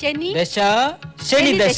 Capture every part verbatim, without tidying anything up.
ശനി ദശ ശനി ദശ.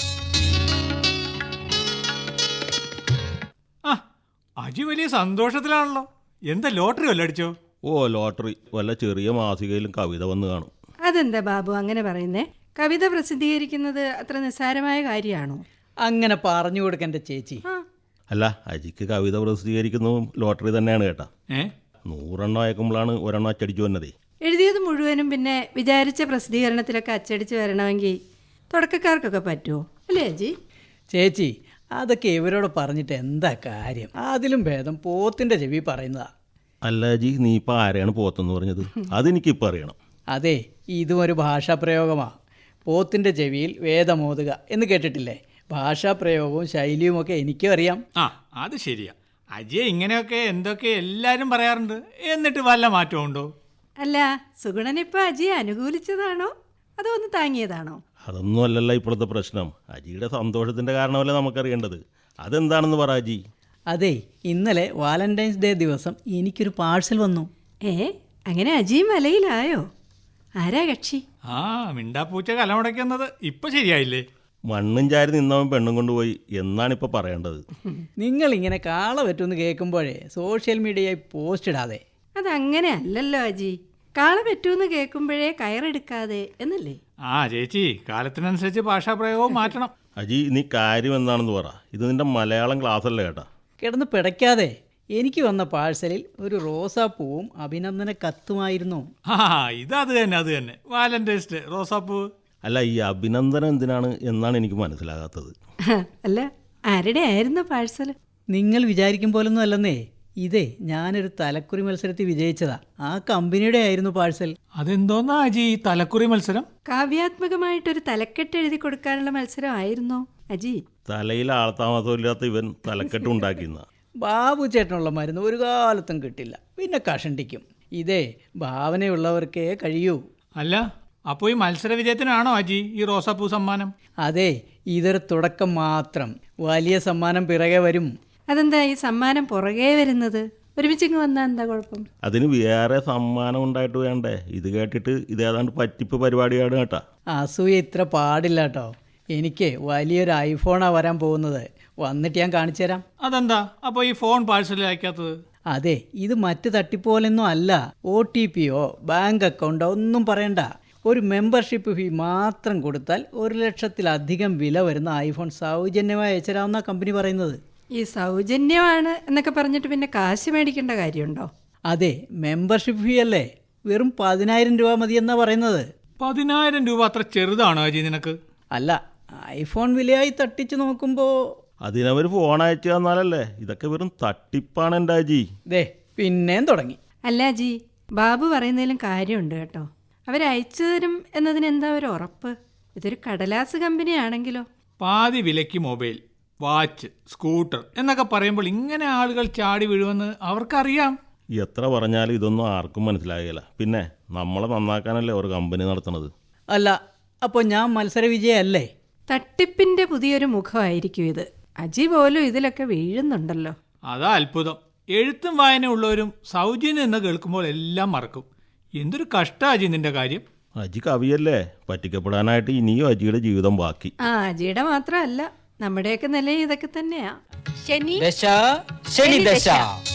ആ അജി വലിയ സന്തോഷത്തിലാണല്ലോ. എന്താ ലോട്ടറി വല്ല അടിച്ചോ? ഓ ലോട്ടറി വല്ല ചെറിയ മാസികയിലും കവിത വന്ന് കാണും. അതെന്താ ബാബു അങ്ങനെ പറയുന്നേ? കവിത പ്രസിദ്ധീകരിക്കുന്നത് അത്ര നിസ്സാരമായ കാര്യമാണോ? അങ്ങനെ പറഞ്ഞു കൊടുക്കണ്ട ചേച്ചി. ആ അല്ല അജിക്ക് കവിത പ്രസിദ്ധീകരിക്കുന്നതും ലോട്ടറി തന്നെയാണ് കേട്ടാ. ഏ നൂറെണ്ണം അയക്കുമ്പോഴാണ് ഒരെണ്ണം അച്ചടിച്ചു വന്നതേ. എഴുതിയത് മുഴുവനും പിന്നെ വിചാരിച്ച പ്രസിദ്ധീകരണത്തിലൊക്കെ അച്ചടിച്ച് വരണമെങ്കിൽ തുടക്കക്കാർക്കൊക്കെ പറ്റുമോ അല്ലേ അജി? ചേച്ചി അതൊക്കെ ഇവരോട് പറഞ്ഞിട്ട് എന്താ കാര്യം? അതിലും ഭേദം പോത്തിന്റെ ചെവി പറയുന്നതാ. അല്ല അജി നീ ഇപ്പം ആരെയാണ് പോത്തെന്ന് പറഞ്ഞത്? അതെനിക്കിപ്പോൾ അറിയണം. അതെ, ഇതും ഒരു ഭാഷാപ്രയോഗമാണ്. പോത്തിന്റെ ചെവിയിൽ വേദമോതുക എന്ന് കേട്ടിട്ടില്ലേ? ഭാഷാപ്രയോഗവും ശൈലിയുമൊക്കെ എനിക്കും അറിയാം. ആ അത് ശരിയാ. അജിയെ ഇങ്ങനെയൊക്കെ എന്തൊക്കെ എല്ലാരും പറയാറുണ്ട്. എന്നിട്ട് വല്ല മാറ്റവും ഉണ്ടോ? അല്ല സുഗുണനിപ്പോൾ അജിയെ അനുകൂലിച്ചതാണോ അതോ ഒന്ന് താങ്ങിയതാണോ? അതൊന്നും അല്ലല്ലോ ഇപ്പോഴത്തെ പ്രശ്നം. അജിയുടെ സന്തോഷത്തിൻ്റെ കാരണമല്ലേ നമുക്കറിയേണ്ടത്. അതെന്താണെന്ന് പറ അജി. അതെ, ഇന്നലെ വാലന്റൈൻസ് ഡേ ദിവസം എനിക്കൊരു പാഴ്സൽ വന്നു. ഏ അങ്ങനെ അജിയും മലയിലായോ? ആരാ കക്ഷി? ആ മിണ്ടാപ്പൂച്ച കലമുടയ്ക്കുന്നത് ഇപ്പൊ ശരിയായില്ലേ? മണ്ണും ചാരി നിന്നവൻ പെണ്ണും കൊണ്ടുപോയി എന്നാണിപ്പോൾ പറയേണ്ടത്. നിങ്ങളിങ്ങനെ കാള പറ്റുമെന്ന് കേൾക്കുമ്പോഴേ സോഷ്യൽ മീഡിയയിൽ പോസ്റ്റ് ഇടാതെ. അതങ്ങനെ അല്ലല്ലോ അജി. കാള പറ്റൂന്ന് കേൾക്കുമ്പോഴേ കയറെടുക്കാതെ എന്നല്ലേ? ആ ചേച്ചി കാലത്തിനനുസരിച്ച് ഭാഷാപ്രയോഗവും മാറ്റണം. അജി നീ കാര്യം എന്താണെന്ന് പറ. ഇത് നിന്റെ മലയാളം ക്ലാസ് അല്ലേ കേട്ടാ. കിടന്ന് പിടയ്ക്കാതെ. എനിക്ക് വന്ന പാഴ്സലിൽ ഒരു റോസാപ്പൂവും അഭിനന്ദന കത്തുമായിരുന്നു. ആ ഇതത് തന്നെ അത് തന്നെ വാലന്റൈൻസ് ഡേ റോസാപ്പൂ. അല്ല ഈ അഭിനന്ദനം എന്തിനാണ് എന്നാണ് എനിക്ക് മനസ്സിലാകാത്തത്. അല്ല ആരുടെ ആയിരുന്നു പാഴ്സൽ? നിങ്ങൾ വിചാരിക്കും പോലൊന്നും അല്ലെന്നേ. ഇതേ ഞാനൊരു തലക്കുറി മത്സരത്തിൽ വിജയിച്ചതാ. ആ കമ്പനിയുടെ ആയിരുന്നു പാഴ്സൽ. അതെന്തോന്നാ അജി ഈ തലക്കുറി മത്സരം? കാവ്യാത്മകമായിട്ടൊരു തലക്കെട്ട് എഴുതി കൊടുക്കാനുള്ള മത്സരമായിരുന്നോ അജി? തലയിൽ ആൾത്താമസമില്ലാത്ത ഇവൻ തലക്കെട്ട് ഉണ്ടാക്കിയെന്ന. ബാബു ചേട്ടനുള്ള മരുന്ന് ഒരു കാലത്തും കിട്ടില്ല, പിന്നെ കഷണ്ടിക്കും. ഇതേ ഭാവനയുള്ളവർക്കേ കഴിയൂ. അല്ല അപ്പോൾ ഈ മത്സര വിജയത്തിനാണോ അജി ഈ റോസാപ്പൂ സമ്മാനം? അതെ, ഇതൊരു തുടക്കം മാത്രം. വലിയ സമ്മാനം പിറകെ വരും. അതെന്താ ഈ സമ്മാനം പുറകെ വരുന്നത്? ഒരുമിച്ചിങ്ങ് വന്നാൽ എന്താ കുഴപ്പം? അതിന് വേറെ സമ്മാനം ഉണ്ടായിട്ട് വേണ്ടേ? ഇത് കേട്ടിട്ട് ഇതേതാണ്ട് പറ്റിപ്പ് പരിപാടിയാണ് കേട്ടാ. അസൂയ ഇത്ര പാടില്ല കേട്ടോ. എനിക്ക് വലിയൊരു ഐഫോണാണ് വരാൻ പോകുന്നത്. വന്നിട്ട് ഞാൻ കാണിച്ചു തരാം. അതെന്താ അപ്പോൾ ഈ ഫോൺ പാഴ്സലിൽ അയക്കാത്തത്? അതെ, ഇത് മറ്റ് തട്ടിപ്പോലൊന്നും അല്ല. ഒ ടി പിയോ ബാങ്ക് അക്കൗണ്ടോ ഒന്നും പറയണ്ട. ഒരു മെമ്പർഷിപ്പ് ഫീ മാത്രം കൊടുത്താൽ ഒരു ലക്ഷത്തിലധികം വില വരുന്ന ഐഫോൺ സൗജന്യമായി അയച്ചുതരാമെന്ന കമ്പനി പറയുന്നത്. ഈ സൗജന്യമാണ് എന്നൊക്കെ പറഞ്ഞിട്ട് പിന്നെ കാശ് മേടിക്കേണ്ട കാര്യമുണ്ടോ? അതെ, മെമ്പർഷിപ്പ് ഫീ അല്ലേ, വെറും പതിനായിരം രൂപ മതിയെന്നാണ് പറയുന്നത്. പതിനായിരം രൂപ അത്ര ചെറുതാണോ അജി നിനക്ക്? അല്ല, ഐഫോൺ വിലയായി തട്ടിച്ച് നോക്കുമ്പോൾ അതിനവർ ഫോൺ അയച്ചു തന്നാലല്ലേ. ഇതൊക്കെ വെറും തട്ടിപ്പാണ് എൻ്റെ അജി. ദേ പിന്നെയും തുടങ്ങി. അല്ല അജി, ബാബു പറയുന്നതിലും കാര്യമുണ്ട് കേട്ടോ. അവരയച്ചു തരും എന്നതിന് എന്താ ഒരു ഉറപ്പ്? ഇതൊരു കടലാസ് കമ്പനിയാണെങ്കിലോ? പാതി വിലയ്ക്ക് മൊബൈൽ, വാച്ച്, സ്കൂട്ടർ എന്നൊക്കെ പറയുമ്പോൾ ഇങ്ങനെ ആളുകൾ ചാടി വീഴുമെന്ന് അവർക്കറിയാം. എത്ര പറഞ്ഞാലും ഇതൊന്നും ആർക്കും മനസ്സിലാകില്ല. പിന്നെ നമ്മളെ നന്നാക്കാനല്ലേ ഒരു കമ്പനി നടത്തുന്നത്. അല്ല, അപ്പോൾ ഞാൻ മത്സര വിജയല്ലേ? തട്ടിപ്പിന്റെ പുതിയൊരു മുഖമായിരിക്കും ഇത്. അജി പോലും ഇതിലൊക്കെ വീഴുന്നുണ്ടല്ലോ. അതാ അത്ഭുതം. എഴുത്തും വായനയുള്ളവരും സൗജന്യം എന്ന് കേൾക്കുമ്പോൾ എല്ലാം മറക്കും. എന്തൊരു കഷ്ടാ അജി നിന്റെ കാര്യം. അജി കവിയല്ലേ, പറ്റിക്കപ്പെടാനായിട്ട് ഇനിയും അജിയുടെ ജീവിതം ബാക്കി. ആ അജിയുടെ മാത്രമല്ല, നമ്മുടെയൊക്കെ നില ഇതൊക്കെ തന്നെയാ. ശനി ദശ ശനി ദശ.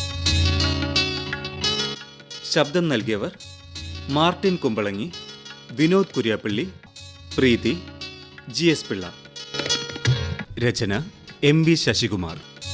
ശബ്ദം നൽകിയവർ Martin Kumbalangi, Vinod Kuriappally, Preethi, G S Pillai. രചന എം വി ശശികുമാർ.